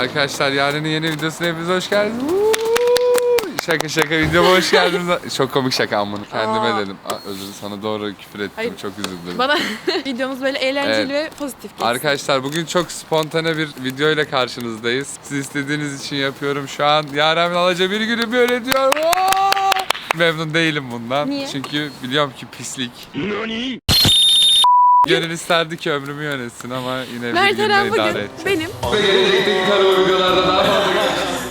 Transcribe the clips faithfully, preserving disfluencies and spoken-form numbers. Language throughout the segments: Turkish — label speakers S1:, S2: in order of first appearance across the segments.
S1: Arkadaşlar Yaren'in yeni videosuna hepiniz hoş geldiniz. Şaka şaka videoma hoş geldiniz. Çok komik şaka ama bunu kendime
S2: Aa.
S1: dedim. Aa, özür sana doğru küfür ettim.
S2: Hayır.
S1: Çok üzüldüm.
S2: Bana videomuz böyle eğlenceli
S1: Evet.
S2: ve pozitif geçsin.
S1: Arkadaşlar bugün çok spontane bir video ile karşınızdayız. Siz istediğiniz için yapıyorum. Şu an Yaren Alaca bir günü böyle diyor. Aa! Memnun değilim bundan.
S2: Niye?
S1: Çünkü biliyorum ki pislik. Gönül isterdi ki ömrümü yönetsin ama yine bir
S2: Mert
S1: günde
S2: Eren
S1: idare
S2: bugün
S1: edeceğiz.
S2: benim.
S1: Ve gelecekteki kara uygularda daha fazla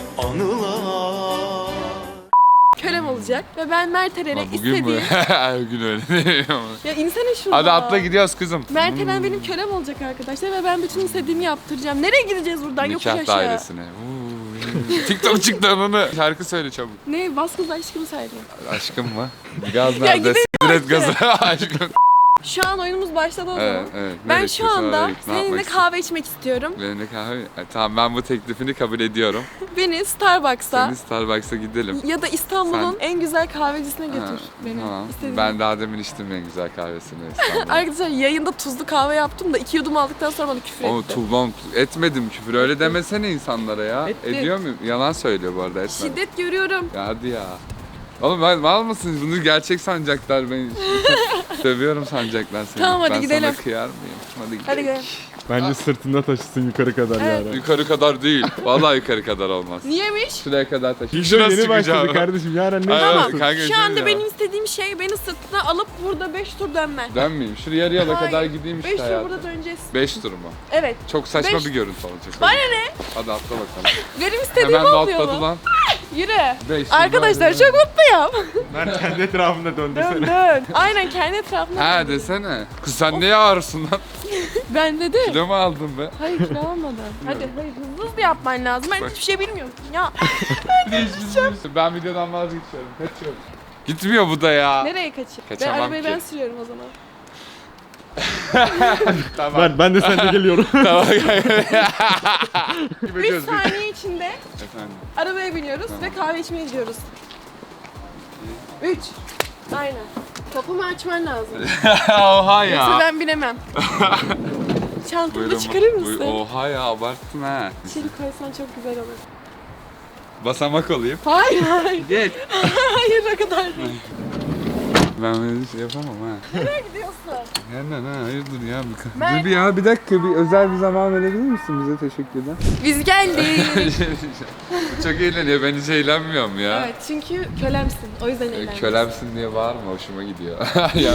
S2: Kölem olacak ve ben Mert Eren'e
S1: Ama bugün mü?
S2: istediğim...
S1: Her gün öyle değil ama.
S2: Ya insene şurada.
S1: Hadi atla gidiyoruz kızım.
S2: Mert Eren benim kölem olacak arkadaşlar ve ben bütün istediğimi yaptıracağım. Nereye gideceğiz buradan? Yokuş
S1: Nikah
S2: aşağı.
S1: dairesine. Uuu. TikTok çıktı onu. Şarkı söyle çabuk.
S2: Ne? Bas kız aşkımı söyle.
S1: Aşkım mı? Gaz
S2: Ya
S1: nerede?
S2: gidelim
S1: Siktir et
S2: artık.
S1: gazı. Aşkım.
S2: Şu an oyunumuz başladı o zaman.
S1: Evet, evet.
S2: Ben
S1: Nereye
S2: şu
S1: gidiyorsun?
S2: anda
S1: Nereye- ne yapmak
S2: seninle
S1: istiyorsun?
S2: kahve içmek istiyorum.
S1: Benimle kahve. E, tamam ben bu teklifini kabul ediyorum.
S2: Beni Starbucks'a
S1: Seni Starbucks'a gidelim.
S2: ya da İstanbul'un
S1: Sen-
S2: en güzel kahvecisine götür
S1: Ha,
S2: beni.
S1: Tamam.
S2: İstediğin-
S1: Ben daha demin içtim en güzel kahvesini İstanbul'da.
S2: Arkadaşlar yayında tuzlu kahve yaptım da iki yudum aldıktan sonra bana küfür
S1: Ama
S2: etti.
S1: tuğlam etmedim küfür. Öyle demesene insanlara ya.
S2: Ettim.
S1: Ediyor muyum? Yalan söylüyor bu arada. Etmedim.
S2: Şiddet görüyorum.
S1: Ya hadi ya. Oğlum ben mal mısınız? Bunu gerçek sanacaklar beni. Seviyorum sanacaklar seni.
S2: Tamam, hadi
S1: ben
S2: gidelim.
S1: sana kıyar mıyım? Hadi gidelim.
S2: Hadi gidelim.
S3: Bence sırtında taşısın yukarı kadar
S2: Evet.
S3: yani.
S1: Yukarı kadar değil. Vallahi yukarı kadar olmaz.
S2: Niyemiş?
S1: Şuraya kadar taşı.
S3: Video
S1: Şurası
S3: yeni başladı
S1: çıkacağım.
S3: kardeşim. Yarın ne
S1: Hayır,
S2: Tamam.
S1: hayır, kanka,
S2: Şu
S1: şey
S2: anda
S1: ya.
S2: benim istediğim şey beni sırtına alıp burada beş tur dönmen.
S1: Dönmeyeyim. Şuraya yarı yola
S2: Hayır.
S1: kadar gideyim işte
S2: beş tur
S1: hayatım.
S2: burada döneceğiz.
S1: beş tur mu?
S2: Evet.
S1: Çok saçma
S2: Beş-
S1: bir görüntü olacak.
S2: Bana ne?
S1: Hadi atla bakalım.
S2: Benim istediğim
S1: Hemen de
S2: olmuyor
S1: atladı
S2: mu?
S1: lan.
S2: Yürü.
S1: Beş tur
S2: Arkadaşlar
S1: daha
S2: çok mutluyum.
S3: Ben kendi etrafında
S2: dön
S3: döndürsene.
S2: dön. Aynen kendi etrafına.
S1: Ha desene. Kız sen niye ağırsın lan?
S2: Ben dedim.
S1: Kilo mu aldın be?
S2: Hayır kilo almadım. Hadi hayır hızlı hızlı yapman lazım. Ben
S1: Bak.
S2: hiçbir şey bilmiyorum. Ya
S1: Ben videodan vazgeçiyorum. Kaçıyorum. Gitmiyor bu da ya.
S2: nereye kaçayım? Ben
S1: Kaçamam
S2: arabayı
S1: ki.
S2: ben sürüyorum o zaman.
S1: Tamam.
S3: Ben, ben de seninle geliyorum.
S1: Tamam.
S2: üç saniye içinde
S1: Efendim.
S2: arabaya biniyoruz ve kahve içmeye gidiyoruz. üç. Aynen. Kapımı açman lazım.
S1: Oha
S2: Yoksa
S1: ya.
S2: ben binemem. Çantamı
S1: Buyurun,
S2: çıkarır
S1: buyur-
S2: mısın?
S1: Oha ya abarttın ha.
S2: İçeri koysan çok güzel olur.
S1: Basamak olayım.
S2: Hayır hayır.
S1: Geç.
S2: Hayır o kadar değil.
S1: Ben böyle şey yapamam ha.
S2: Nereye gidiyorsun?
S1: Hemen ha hayırdır ya. Bir,
S2: Ben-
S1: Dur bir ya bir dakika bir özel bir zaman verebilir misin bize teşekkürler.
S2: Biz geldik.
S1: Bu çok eğleniyor ben hiç eğlenmiyorum ya.
S2: Evet çünkü kölemsin. O yüzden
S1: E,
S2: eğlendim.
S1: Kölemsin diye bağırma hoşuma gidiyor. ya.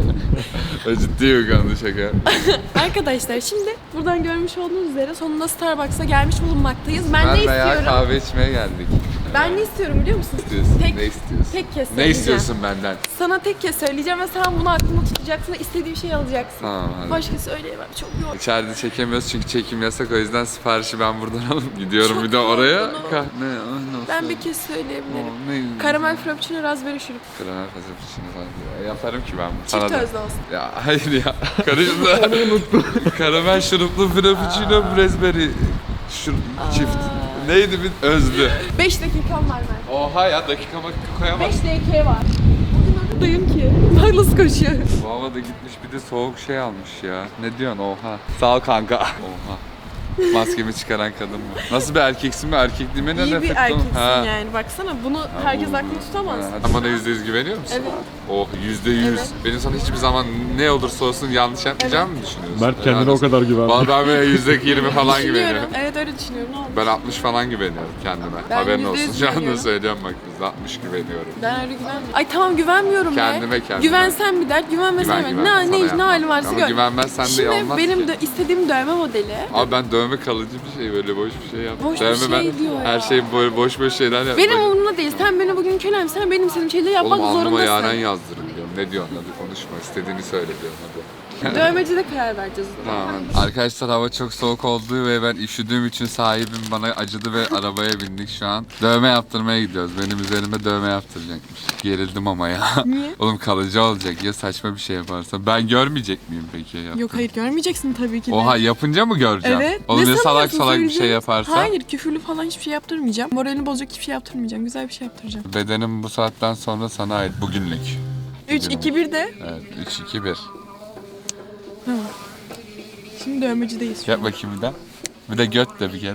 S1: O ciddi bir konu şaka.
S2: Arkadaşlar şimdi buradan görmüş olduğunuz üzere sonunda Starbucks'a gelmiş bulunmaktayız. Ben,
S1: Ben
S2: ne
S1: veya
S2: istiyorum?
S1: kahve içmeye geldik.
S2: Ben ne istiyorum biliyor musun?
S1: Ne istiyorsun?
S2: Tek,
S1: ne istiyorsun?
S2: tek kez
S1: Ne
S2: söyleyeceğim.
S1: istiyorsun benden?
S2: Sana tek kez söyleyeceğim ve sen bunu aklında tutacaksın ve istediğin şeyi alacaksın.
S1: Tamam hadi.
S2: Başka söyleyemem. Çok yoğun.
S1: İçeride çekemiyoruz çünkü çekim yasak o yüzden siparişi ben buradan alıp gidiyorum
S2: Çok
S1: bir de oraya.
S2: yorgunum.
S1: Ka- ne? o nasıl?
S2: Ben bir kez söyleyebilirim.
S1: O, ne?
S2: Karamel frappuccino raspberry şurup.
S1: Karamel frappuccino falan. Ya, yaparım ki ben bunu.
S2: Çift
S1: Sana da.
S2: özlü olsun.
S1: Ya hayır ya. Karıştı. Karamel şuruplu frappuccino raspberry şur çift. Neydi bir özlü.
S2: beş dakikam var ben.
S1: Oha ya dakika bak koyamaz.
S2: beş dakika var. Bugün oradayım ki. Bak nasıl koşuyor.
S1: Bu havada gitmiş bir de soğuk şey almış ya. Ne diyorsun oha. Sağ ol kanka. Oha. Maskemi çıkaran kadın mı? Nasıl bir erkeksin mi? Erkekliğime ne
S2: İyi bir
S1: nefret
S2: erkeksin
S1: Ha.
S2: yani. Baksana bunu herkes
S1: bu-
S2: aklında tutamaz.
S1: Ha, Sen bana yüzde yüz güveniyor musun?
S2: Evet.
S1: Oh yüzde yüz.
S2: Evet.
S1: Benim sana hiçbir zaman ne olursa olsun yanlış yapmayacağımı mı düşünüyorsun?
S3: Mert kendine
S1: Helal
S3: o
S1: olsun.
S3: kadar güvenmiyor.
S1: Vallahi ben böyle yüzde yirmi falan
S2: Düşünüyorum.
S1: güveniyorum.
S2: Evet öyle düşünüyorum. Ne oldu?
S1: Ben altmış falan güveniyorum kendime.
S2: Ben
S1: Haberin
S2: yüzde
S1: olsun.
S2: yüz
S1: Şu anda
S2: güveniyorum.
S1: söylüyorum bak yüzde altmış güveniyorum.
S2: Ben öyle güvenmiyorum. Ay tamam güvenmiyorum
S1: Kendime,
S2: be.
S1: kendime.
S2: Güvensen bir dert, güvenmesen
S1: Güven,
S2: bir
S1: güven.
S2: ne,
S1: Sana
S2: ne, ne
S1: yapmam.
S2: halin varsa
S1: Ama
S2: gör.
S1: güvenmezsen de
S2: Şimdi
S1: olmaz
S2: benim
S1: ki.
S2: de istediğim dövme modeli.
S1: Abi ben dövme kalıcı bir şey böyle boş bir şey yaptım.
S2: Boş bir
S1: dövme
S2: şey
S1: ben
S2: diyor ya.
S1: her şey böyle boş boş şeyler yaptım.
S2: Benim umurumda değil. Sen beni bugün kölem, sen benim istediğim şeyleri yapmak
S1: Oğlum alnıma
S2: zorundasın.
S1: Yaren yazdırın diyorum. Ne diyorsun hadi konuşma istediğini söyle diyorum hadi.
S2: Dövmecide karar vereceğiz o zaman.
S1: Tamam. Arkadaşlar hava çok soğuk olduğu ve ben üşüdüğüm için sahibim bana acıdı ve arabaya bindik şu an. Dövme yaptırmaya gidiyoruz. Benim üzerime dövme yaptıracakmış. Gerildim ama ya.
S2: Niye?
S1: Oğlum kalıcı olacak ya saçma bir şey yaparsa. Ben görmeyecek miyim peki yaptım?
S2: Yok hayır görmeyeceksin tabii ki de.
S1: Oha yapınca mı göreceğim?
S2: Evet.
S1: Oğlum
S2: Ne
S1: ya salak
S2: sanıyorsun
S1: salak bir şey
S2: söyleyeceğim?
S1: yaparsa?
S2: Hayır küfürlü falan hiçbir şey yaptırmayacağım. Moralini bozacak hiçbir şey yaptırmayacağım. Güzel bir şey yaptıracağım.
S1: Bedenim bu saatten sonra sana ait bugünlük.
S2: üç, iki, bir de.
S1: Evet üç iki bir.
S2: Şimdi dövmecideyiz.
S1: Yap bakayım bir de. Bir de göt de bir kere.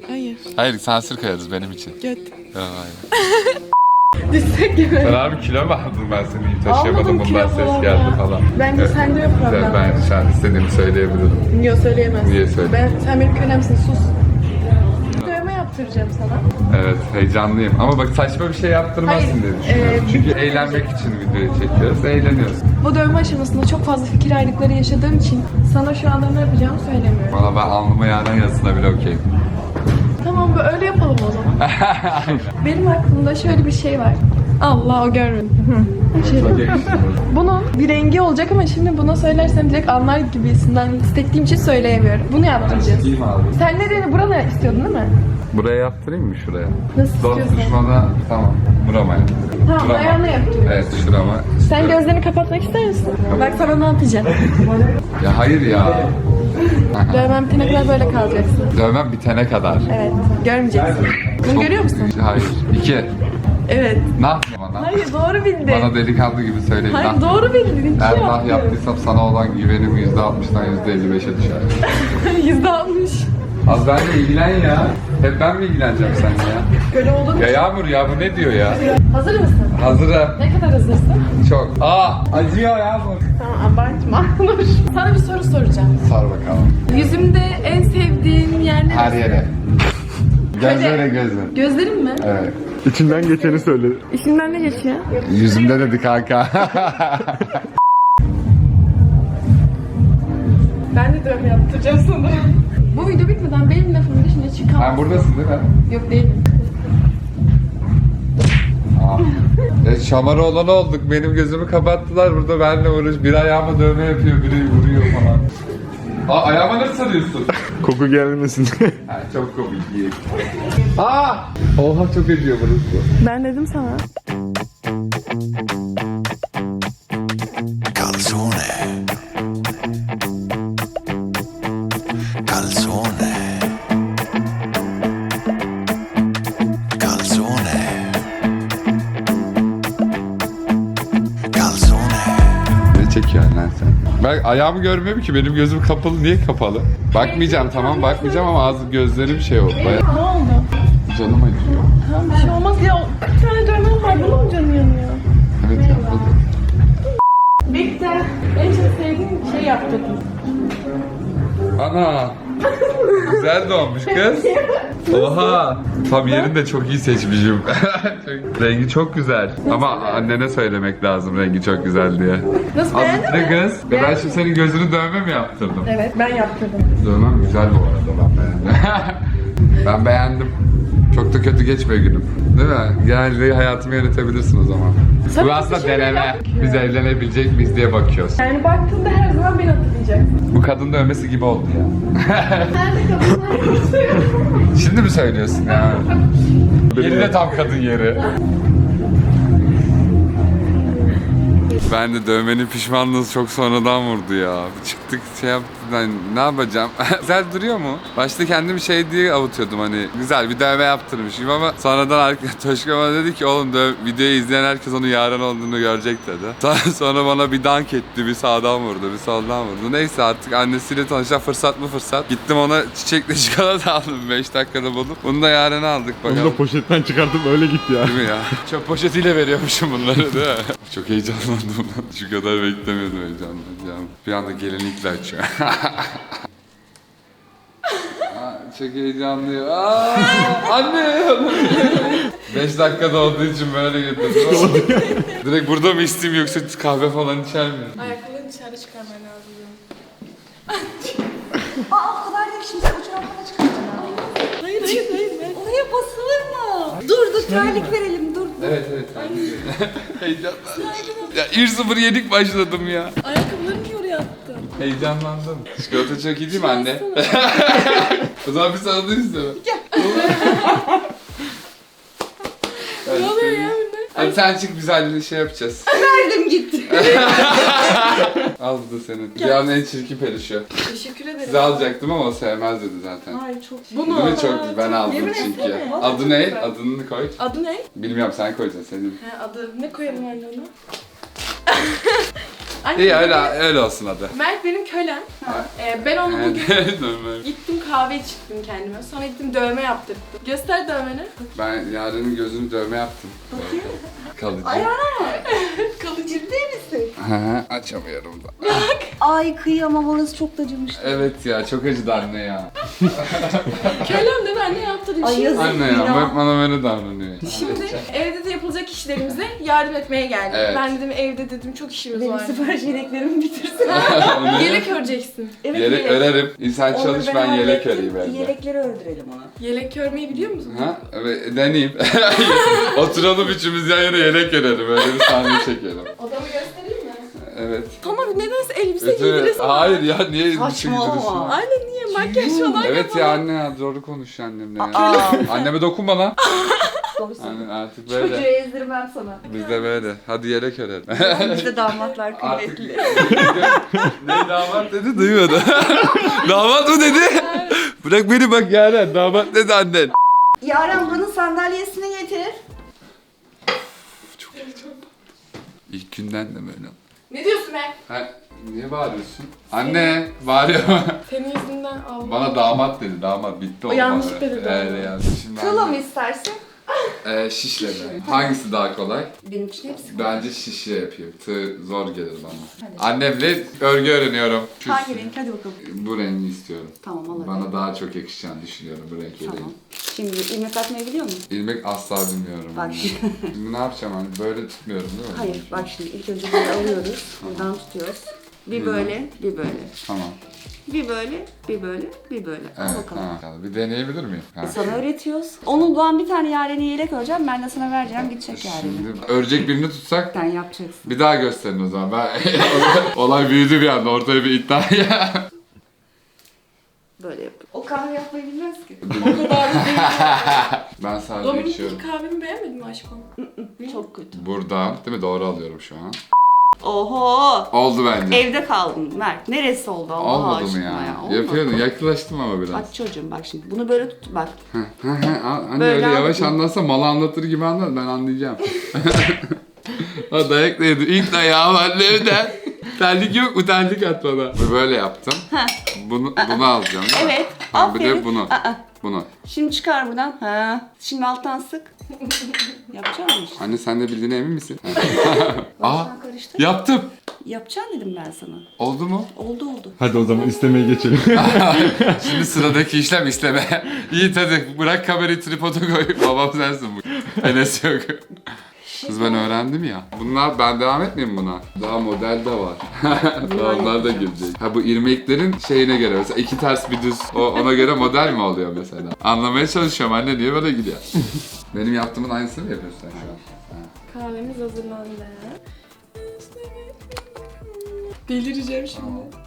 S2: Hayır.
S1: Hayır sansür koyarız benim için.
S2: Göt.
S1: Ya, hayır.
S2: Düşsek gibi.
S1: Sen abi kilo mu aldın ben seni iyi taşıyamadım
S2: Almadım,
S1: bundan
S2: kilo
S1: ses
S2: falan
S1: geldi
S2: ya.
S1: falan.
S2: Bence
S1: Evet.
S2: sende yok problem.
S1: Evet, ben şu an istediğimi söyleyebilirim.
S2: Yok söyleyemezsin.
S1: Niye söyle?
S2: Ben, sen benim kölemsin sus. Dövme yaptıracağım sana.
S1: Evet heyecanlıyım ama bak saçma bir şey yaptırmazsın
S2: Hayır,
S1: diye düşünüyorum.
S2: e,
S1: Çünkü eğlenmek için videoyu çekiyoruz, eğleniyoruz.
S2: Bu dövme aşamasında çok fazla fikir ayrılıkları yaşadığım için sana şu anda ne yapacağımı söylemiyorum.
S1: Valla ben alnıma yağdan yazısına bile okeyim.
S2: Tamam bu öyle yapalım o zaman. Benim aklımda şöyle bir şey var. Allah o görmedi. Şöyle. Bunun bir rengi olacak ama şimdi buna söylersem direkt anlar gibisinden istektiğim için söyleyemiyorum. Bunu yaptıracağız.
S1: Değil mi abi?
S2: Sen nereye buraya istiyordun değil mi?
S1: Buraya yaptırayım mı şuraya?
S2: Nasıl
S1: Dost
S2: istiyorsan.
S1: düşmana tamam. Burama yaptırıyorum.
S2: Tamam
S1: Şurama.
S2: ayağına yaptırıyoruz.
S1: Evet şurama.
S2: Sen gözlerini kapatmak ister misin? Bak sana ne yapacağım.
S1: Ya hayır ya.
S2: Dövmem bitene kadar böyle kalacaksın.
S1: Dövmem bitene kadar.
S2: Evet. Görmeyeceksin. Bunu
S1: Çok-
S2: görüyor musun?
S1: Hayır. İki.
S2: Evet.
S1: Nah bana.
S2: Hayır doğru bildin.
S1: Bana delikanlı gibi söyleyin.
S2: Hayır
S1: nah.
S2: doğru bildin. İki
S1: Eğer nah
S2: yaptın.
S1: yaptıysam sana olan güvenim yüzde altmıştan yüzde elli beşe düşer.
S2: Yüzde altmış.
S1: Az benimle ilgilen ya. Hep ben mi ilgileneceğim seninle ya?
S2: Böyle olur mu?
S1: Ya Yağmur ya bu ne diyor ya?
S2: Hazır mısın?
S1: Hazırım.
S2: Ne kadar hazırsın?
S1: Çok. Aa acıyor Yağmur.
S2: Tamam abartma. Dur. Sana bir soru soracağım.
S1: Sar bakalım.
S2: Yüzümde en sevdiğin yer neresi?
S1: Her yere. Gözlere gözler.
S2: Gözlerim mi?
S1: Evet.
S3: İçinden geçeni söyle.
S2: İçinden ne geçiyor?
S1: Yüzümde dedi kanka.
S2: Ben de dövme yaptıracağım sana. Bu video bitmeden benim lafımın dışına çıkamazsın.
S1: Sen buradasın değil mi?
S2: Yok değilim.
S1: Aa. E, şamara olan olduk. Benim gözümü kapattılar. Burada benimle uğraş. Biri ayağıma dövme yapıyor, biri vuruyor falan. Aa ayağıma nasıl sarıyorsun?
S3: Koku gelmesin.
S1: Ha, çok komik. iyi. Aa! Oha çok acıyor burası.
S2: Ben dedim sana.
S4: Calzone. Calzone. Calzone. Calzone.
S1: Ne çekiyorsun lan sen? Ben ayağımı görmüyorum ki. Benim gözüm kapalı. Niye kapalı? Bakmayacağım tamam bakmayacağım ama ağzı gözlerim şey oldu. Baya...
S2: Ne oldu?
S1: Canım acıyor.
S2: Tamam bir şey olmaz ya. Bir tane dövmem var. Bunun mu canı yanıyor?
S1: Evet yapmadım.
S2: Bitti. En çok sevdiğim şey yaptırdım.
S1: Ana! Güzel doğmuş kız. Oha! Tam yerini de çok iyi seçmişim. Çok- rengi çok güzel. Ama annene söylemek lazım rengi çok güzel diye.
S2: Nasıl beğendin
S1: Azıcık
S2: mi?
S1: kız. Ve ben şimdi senin gözünü dövme mi yaptırdım?
S2: Evet ben yaptırdım.
S1: Dövmem güzel bu arada ben beğendim. Ben beğendim. Çok da kötü geçmiyor günüm. Değil mi? Genelde hayatımı yönetebilirsin o zaman.
S2: Sen
S1: Bu
S2: bir
S1: aslında
S2: şey
S1: deneme.
S2: yap-
S1: Biz evlenebilecek miyiz diye bakıyoruz.
S2: Yani baktığında her zaman beni hatırlayacaksın.
S1: Bu kadın dövmesi gibi oldu ya.
S2: Nerede kadınlar?
S1: Şimdi mi söylüyorsun ya? Yeri de tam kadın yeri. Ben de dövmenin pişmanlığı çok sonradan vurdu ya. Çıktık şey yaptık ben ne yapacağım? Güzel duruyor mu? Başta kendimi şey diye avutuyordum hani güzel bir dövme yaptırmışım ama sonradan arkadaş Toşka bana dedi ki oğlum döv videoyu izleyen herkes onun Yaren olduğunu görecek dedi. Sonra, sonra bana bir dank etti bir sağdan vurdu bir soldan vurdu. Neyse artık annesiyle tanışacak fırsat mı fırsat. Gittim ona çiçekle çikolata aldım beş dakikada bulup. Bunu da Yaren'e aldık
S3: Onu
S1: bakalım.
S3: da poşetten çıkartıp öyle git ya.
S1: Değil mi ya? Çöp poşetiyle veriyormuşum bunları değil mi? Çok heyecanlandım. Şu kadar beklemiyordum heyecanlanacağım. Bir anda gelinlikle açıyor. Aa, çok heyecanlıyım. Aa, anne! beş dakikada olduğu için böyle getirdim. Direkt burada mı isteyeyim yoksa kahve falan içer miyim?
S2: Ayaklarını dışarı çıkarman lazım.
S5: Aa o kadar değil şimdi fotoğrafına çıkaracağım.
S2: Hayır hayır hayır. Ben...
S5: Oraya basılır mı? Dur dur terlik verelim dur.
S1: Evet evet. Heyecanlandım. Ya bir sıfır yedik başladım ya.
S2: Ayakkabılarını niye oraya attın?
S1: Heyecanlandım. Çikolata çok iyi değil mi anne? O zaman bir sana da istiyorum.
S2: Ne oluyor ya bunda?
S1: Hadi sen çık güzel şey yapacağız.
S5: Verdim gitti.
S1: Al bu da senin. Dünyanın en çirkin perişi.
S2: Teşekkür ederim.
S1: Size alacaktım ama o sevmez dedi zaten.
S5: Ay çok
S2: Bunu.
S1: Değil mi çok ben aldım
S2: Yemin
S1: çünkü.
S2: etsene.
S1: Adı ne? Adını koy.
S2: Adı ne?
S1: Bilmiyorum sen koyacaksın senin.
S2: He adı. Ne koyalım anne ona? Anne,
S1: İyi öyle, öyle olsun hadi.
S2: Mert benim kölem. Ee, ben onu bugün
S1: Normal.
S2: gittim kahve içtim kendime. Sonra gittim dövme yaptırdım. Göster dövmeni.
S1: Ben Yaren'in gözünü dövme yaptım.
S5: Bakayım.
S1: Kalıcı.
S2: Kalıcı.
S5: Ciddi misin?
S1: Hı hı, Açamıyorum da.
S5: Ay kıyamam, orası çok da acımıştı.
S1: Evet ya, çok acıdı anne ya.
S2: Kölem de ben de yaptırayım.
S5: Ay,
S2: Şimdi,
S5: yazık.
S1: Anne ya,
S5: Ya.
S1: hep bana böyle davranıyor.
S2: şimdi evde de yapılacak işlerimize yardım etmeye geldim.
S1: Evet.
S2: Ben dedim evde dedim çok işimiz
S5: Benim
S2: var.
S5: sipariş yeleklerimi bitirsin.
S2: Yelek öreceksin.
S5: Evet,
S1: Yelek örerim. İnsan
S5: Onu
S1: çalış, ben yelek öreyim evde.
S5: Yelekleri ördürelim ona.
S2: Yelek örmeyi biliyor musun?
S1: Ha? Evet, deneyeyim. Oturalım üçümüz yan yana yelek örelim. Öyle bir sahne çekelim.
S2: Odamı göstereyim mi?
S1: Evet.
S2: Tamam nedense elbise
S1: Evet, evet.
S2: giydiresin.
S1: Hayır ya, niye elbise
S5: Saçmalama.
S1: giydiriyorsun?
S2: Anne niye makyaj falan
S1: Evet
S2: yapalım?
S1: ya anne ya, doğru konuş annemle ya.
S5: Aa.
S1: Anneme dokunma lan.
S5: Doğru söylüyorsun.
S1: Anne artık
S5: Çocuğu
S1: böyle.
S5: ezdirmem sana.
S1: Biz de böyle. Hadi yelek örelim.
S5: Bizde damatlar
S1: Artık
S5: kıymetli.
S1: ne damat dedi duymadı. Damat mı dedi? Bırak beni bak Yaren, damat dedi annen.
S5: Yaren buranın sandalyesini getir.
S1: Çok heyecanlı. İlk günden de böyle.
S2: Ne diyorsun be?
S1: Ha, niye bağırıyorsun? Anne bağırıyor.
S2: Senin yüzünden Allah.
S1: Bana damat dedi, damat bitti
S2: O
S1: olmadı.
S2: yanlış dedi
S1: Evet,
S2: damat.
S1: yani. Şimdi
S5: Kıla
S1: anne-
S5: mı istersin?
S1: Ee, şişle mi? Hangisi daha kolay?
S5: Benim için hepsi.
S1: Bence şişle yapayım. Tığ zor gelir bana.
S5: Hadi.
S1: Annemle örgü öğreniyorum. Şu-
S5: Hangi renk? Hadi bakalım.
S1: Bu rengi istiyorum.
S5: Tamam alalım.
S1: Bana daha çok yakışacağını düşünüyorum bu renk
S5: Tamam.
S1: vereyim.
S5: Şimdi ilmek atmayı biliyor musun?
S1: İlmek asla bilmiyorum.
S5: Bak
S1: anne.
S5: şimdi.
S1: Şimdi ne yapacağım hani böyle tutmuyorum değil mi?
S5: Hayır bak şimdi ilk önce böyle alıyoruz. Buradan tutuyoruz. Bir böyle, bir böyle.
S1: Tamam.
S5: Bir böyle, bir böyle, bir böyle. Al
S1: Evet
S5: bakalım.
S1: tamam. Bir deneyebilir miyim? Ha.
S5: Sana öğretiyoruz. Onun ben bir tane Yaren'e yelek öreceğim. Ben de sana vereceğim. Gidecek Yaren'e.
S1: Şimdi örecek birini tutsak
S5: Sen yapacaksın.
S1: bir daha gösterin o zaman. Ben olay büyüdü bir anda, ortaya bir iddia ya.
S5: Böyle yap. O kahve yapmayı bilmez ki.
S1: Ben sadece
S2: Dominik
S1: içiyorum.
S2: ilk kahvemi beğenmedin mi aşkım?
S5: Çok kötü.
S1: Buradan değil mi? Doğru alıyorum şu an.
S5: Oho!
S1: Oldu bence.
S5: Evde kaldın Mert. Neresi oldu Allah
S1: Olmadı mı
S5: aşkına
S1: ya?
S5: ya? Olmadı.
S1: Yapıyordun. Yaklaştım ama biraz.
S5: Bak çocuğum bak şimdi. Bunu böyle tut bak.
S1: Anne
S5: Böyle
S1: öyle yavaş
S5: anlatayım.
S1: anlatsa malı anlatır gibi anlat, ben anlayacağım. O dayak da yedi. İlk dayağı var evden. Terlik yok mu? Terlik at bana. Böyle yaptım. Bunu, bunu alacağım değil mi?
S5: Evet.
S1: Tamam, bir de
S5: Aferin.
S1: bunu.
S5: Aa,
S1: Bunu.
S5: Şimdi çıkar buradan. Ha. Şimdi alttan sık. Yapacak mısın işte?
S1: Anne sen de bildiğine emin misin? Aa,
S5: Baştan karıştır.
S1: yaptım.
S5: Yapacaksın dedim ben sana.
S1: Oldu mu?
S5: Oldu oldu.
S3: Hadi o zaman istemeye geçelim.
S1: Şimdi sıradaki işlem isteme. İyi hadi bırak kamerayı tripoda koy. Babam sensin bu. Enes yok. Kız ben öğrendim ya. Bunlar, ben devam etmeyeyim buna. Daha model de var. Daha onlar da girecek. Ha bu irmeklerin şeyine göre mesela iki ters bir düz, o ona göre model mi oluyor mesela? Anlamaya çalışıyorum anne, niye böyle gidiyor? Benim yaptığımın aynısını mı yapıyorsun sen şu an?
S2: Kahvemiz hazırlandı. Delireceğim şimdi.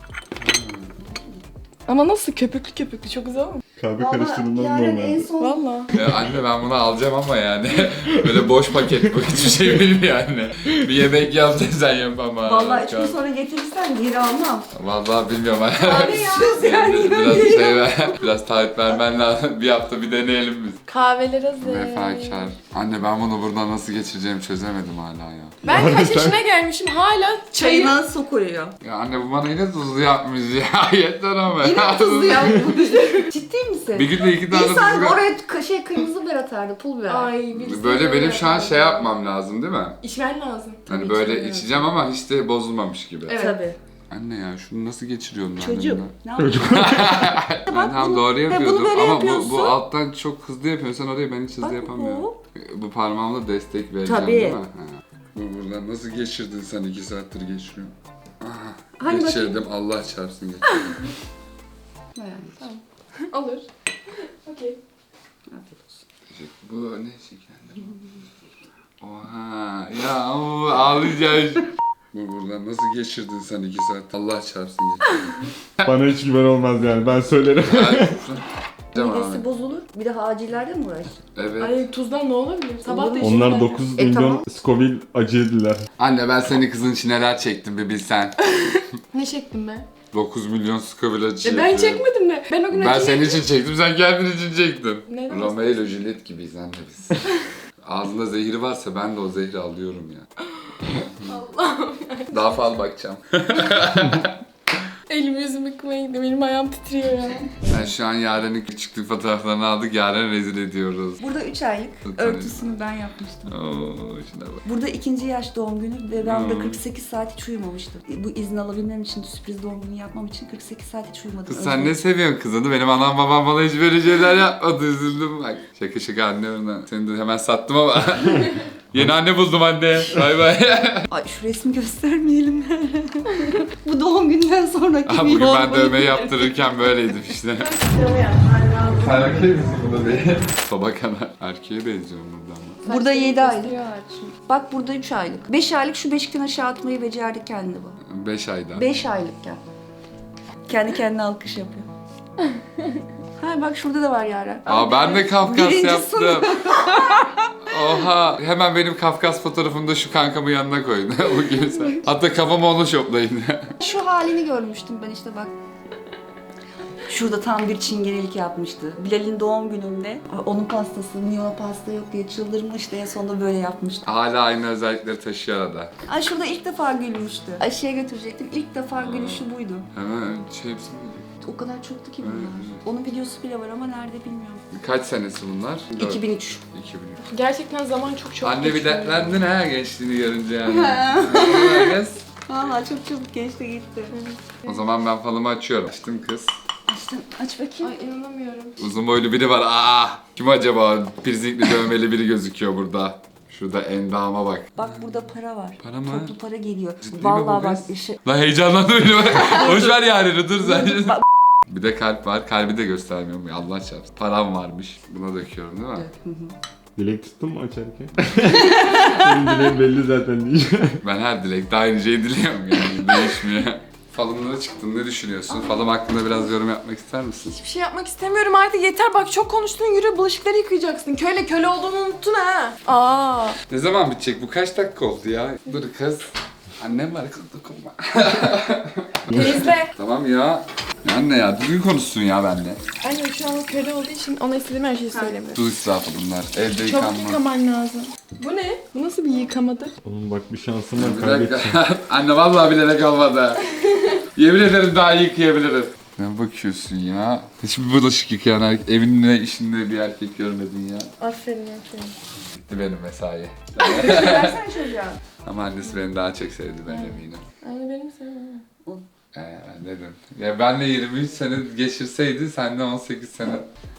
S2: Ama nasıl köpüklü köpüklü çok güzel olmuş.
S3: Kahve
S5: Valla
S3: karıştırılmaz
S5: Yaren en
S3: normal.
S5: son
S2: Valla.
S1: Ya anne ben bunu alacağım ama yani böyle boş paket bu, hiçbir şey bilmiyor yani. Bir yemek yap desen yapamam.
S5: Vallahi üç gün sonra getirirsen geri almam.
S1: Vallahi bilmiyorum.
S5: Abi ya yani
S1: biraz şey ver, biraz taahhüt vermen lazım. Bir hafta bir deneyelim biz.
S2: Kahveler hazır.
S1: Vefakar. Anne ben bunu buradan nasıl geçireceğimi çözemedim hala ya.
S2: Ben kaç yaşına gelmişim hala çayı...
S5: Çayına su koyuyor.
S1: Ya anne bu bana yine tuzlu yapmış ya. Yeter ama.
S5: Yine tuzlu yapmış. Ciddi misin?
S1: Bir günde iki tane
S5: İnsan
S1: tuzlu.
S5: oraya k- şey kırmızı biber atardı, pul biber.
S2: Ay birisi
S1: Böyle
S2: böyle
S1: benim şu an
S2: yapar.
S1: şey yapmam lazım değil mi?
S2: İçmen lazım.
S1: Hani
S5: Tabii
S1: böyle
S5: içmiyorum.
S1: içeceğim ama hiç de bozulmamış gibi.
S2: Evet.
S5: Tabii.
S1: Anne ya şunu nasıl geçiriyorum ben
S5: Çocuğum.
S1: elimden?
S5: Ne yapıyorsun?
S1: Ben
S5: Bak
S1: tam
S5: bunu-
S1: doğru
S5: ve bunu
S1: yapıyordum
S5: böyle
S1: ama bu,
S5: yapıyorsun.
S1: bu alttan çok hızlı yapıyorsun, sen orayı ben hiç hızlı
S5: Bak
S1: yapamıyorum.
S5: bu.
S1: Bu parmağımla destek vereceğim
S5: Tabii.
S1: değil mi? Ha. Bu buradan nasıl geçirdin sen, iki saattir geçiriyorum. Aha,
S5: Hani
S1: geçirdim, Allah çarpsın geçirdim.
S2: Olur. Okey.
S5: Afiyet olsun.
S1: Teşekkür- Bu ne şekerler? Oha ya o ağlayacağım. Bu buradan nasıl geçirdin sen iki saat? Allah çarpsın geçirdim.
S3: Bana hiç güven olmaz yani, ben söylerim.
S5: Midesi bozulur. Bir de acillerle mi uğraşacak?
S1: Evet.
S2: Ay tuzdan ne olabilir? Sabah da
S5: Olur.
S2: içtim
S3: Onlar
S2: ben.
S3: dokuz
S5: E,
S3: milyon
S5: tamam.
S3: Scoville acı yediler.
S1: Anne ben senin kızın için neler çektim bir bilsen.
S2: Ne çektim ben?
S1: dokuz milyon Scoville acı
S2: E ben
S1: yapıyor.
S2: çekmedim mi? Ben o gün
S1: Ben
S2: acı
S1: senin
S2: yedim.
S1: için çektim, sen kendin için çektin.
S2: Neden?
S1: Romeo ile Juliet gibiyiz anne biz. Ağzında zehri varsa ben de o zehri alıyorum ya.
S2: Allah'ım.
S1: Daha fazla bakacağım.
S2: Elimi yüzümü yıkamaya gidiyorum. Benim ayağım titriyor ya.
S1: Ben şu an Yaren'in küçüklük fotoğraflarını aldık. Yaren rezil ediyoruz.
S5: Burada üç aylık örtüsünü ben yapmıştım.
S1: Oo, şuna bak.
S5: Burada ikinci yaş doğum günü ve ben burada
S1: Hmm.
S5: kırk sekiz saat hiç uyumamıştım. Bu izin alabilmem için, sürpriz doğum günü yapmam için kırk sekiz saat hiç uyumadım.
S1: Kız sen ne seviyorsun kızını? Benim anam babam bana hiç böyle şeyler yapmadı. Üzüldüm bak. Şaka şaka anne ona. Seni de hemen sattım ama. Yeni anne buldum anne. Bay bay.
S5: Ay şu resmi göstermeyelim. Bu doğum günden sonraki
S1: Aha,
S5: bir
S1: bugün ben
S5: doğum
S1: dövmeyi
S5: günü.
S1: yaptırırken böyleydim işte. Sen erkeği misin burada değil? Baba kadar. Erkeğe benziyorum buradan.
S5: Burada yedi aylık.
S2: Gösteriyorlar şimdi.
S5: Bak burada üç aylık. beş aylık şu beşikten aşağı atmayı becerdi kendi bu.
S1: beş ayda.
S5: beş aylıkken. Kendi kendine alkış yapıyor. Ha bak şurada da var Yaren.
S1: Aa ben de Kafkas
S5: Birinci
S1: yaptım.
S5: sınıf.
S1: Oha. Hemen benim Kafkas fotoğrafımı da şu kankamın yanına koyun. Bu gibi sen. Hatta kafamı onu şoplayın.
S5: Şu halini görmüştüm ben işte bak. Şurada tam bir çingenelik yapmıştı. Bilal'in doğum gününde onun pastası, niye ona pasta yok diye çıldırmıştı. En sonunda böyle yapmıştı.
S1: Hala aynı özellikleri taşıyor arada.
S5: Ay şurada ilk defa gülmüştü. Aşıya götürecektim. İlk defa gülüşü buydu.
S1: Hemen şey hepsi mi?
S5: O kadar çoktu ki bunlar.
S1: Evet.
S5: Onun videosu bile var ama nerede bilmiyorum.
S1: Kaç senesi bunlar?
S5: iki bin üç.
S1: iki bin üç.
S2: Gerçekten zaman çok çok
S1: Anne bir
S2: geçiyor.
S1: dertlendin ha gençliğini görünce yani. Kız.
S5: Valla çok çabuk geçti gitti.
S1: O zaman ben falımı açıyorum. Açtım kız.
S5: Açtım, aç bakayım.
S2: Ay inanamıyorum.
S1: Uzun boylu biri var. Aa! Kim acaba? Pirzikli dövmeli biri gözüküyor burada. Şurada endama bak.
S5: Bak burada para var.
S1: Para mı?
S5: Toplu para geliyor.
S1: Ciddi mi
S5: Vallahi
S1: bu
S5: bak
S1: kız?
S5: işi.
S1: Lan heyecanlandım beni. Boş ver yani dur sen.
S5: Bak-
S1: Bir de kalp var. Kalbi de göstermiyorum ya Allah çarpsın. Param varmış. Buna döküyorum değil mi?
S5: Hı hı.
S3: Dilek tuttun mu açarken? Senin dileğin belli zaten diyeceğim.
S1: Ben her dilekte aynı şeyi diliyorum yani. Değişmiyor. Falımlara çıktın. Ne düşünüyorsun? Falım hakkında biraz yorum yapmak ister misin?
S2: Hiçbir şey yapmak istemiyorum artık yeter bak çok konuştun yürü bulaşıkları yıkayacaksın. Köyle köle olduğunu unuttun ha. Aa.
S1: Ne zaman bitecek? Bu kaç dakika oldu ya? Dur kız. Annem var kız dokunma.
S2: Temizle.
S1: Tamam ya. Ya anne ya düzgün konuşsun ya benimle.
S2: Anne şu an köle olduğu için ona istediğim her şeyi söylemiyorum.
S1: Su israfı bunlar. Evde
S2: Çabuk
S1: yıkanma.
S2: yıkaman lazım. Bu ne? Bu nasıl bir yıkamadır?
S3: Oğlum bak bir şansım var
S1: Bir
S3: kaybedeceğim.
S1: dakika. Anne vallahi bilerek olmadı. Yemin ederim daha iyi yıkayabilirim. Ne bakıyorsun ya? Hiçbir bulaşık yıkayan erkek, evinde işinde bir erkek görmedin ya.
S2: Aferin aferin.
S1: Bitti benim mesai.
S5: Versene çocuğa.
S1: Ama annesi beni daha çok sevdi ben eminim.
S2: Anne benim sevmem.
S1: Ee, dedim. Ya benle yirmi üç sene geçirseydi sen de on sekiz sene.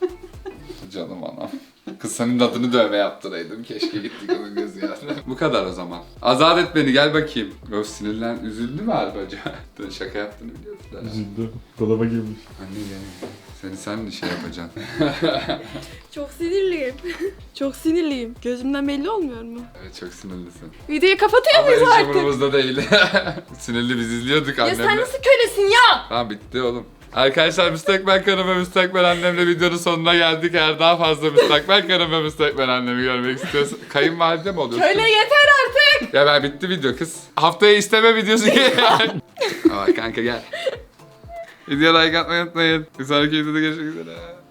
S1: Canım anam. Kız senin adını dövme yaptıraydım. Keşke gittik onun gözü yani. Bu kadar o zaman. Azat et beni gel bakayım. Öf sinirlen. Üzüldü mü Arbaca? Dün şaka yaptığını biliyorsun. herhalde.
S3: Üzüldü. Dolaba girmiş.
S1: Anne gel. Seni sen de şey yapacaksın.
S2: Çok sinirliyim. çok sinirliyim. Gözümden belli olmuyor mu?
S1: Evet çok sinirlisin.
S2: Videoyu kapatıyor
S1: Ama
S2: muyuz
S1: hiç
S2: artık?
S1: umurumuzda değil. Sinirli biz izliyorduk
S2: Ya
S1: annemle.
S2: sen nasıl kölesin ya?
S1: Tamam bitti oğlum. Arkadaşlar müstakbel karım ve müstakbel annemle videonun sonuna geldik. Eğer daha fazla müstakbel karım ve müstakbel annemi görmek istiyorsan kayınvalide mi oluyorsun?
S2: Köle yeter artık.
S1: Ya ben bitti video kız. Haftaya isteme videosu gel. Aa kanka gel. Video like atmayı unutmayın. Bir sonraki videoda görüşmek üzere.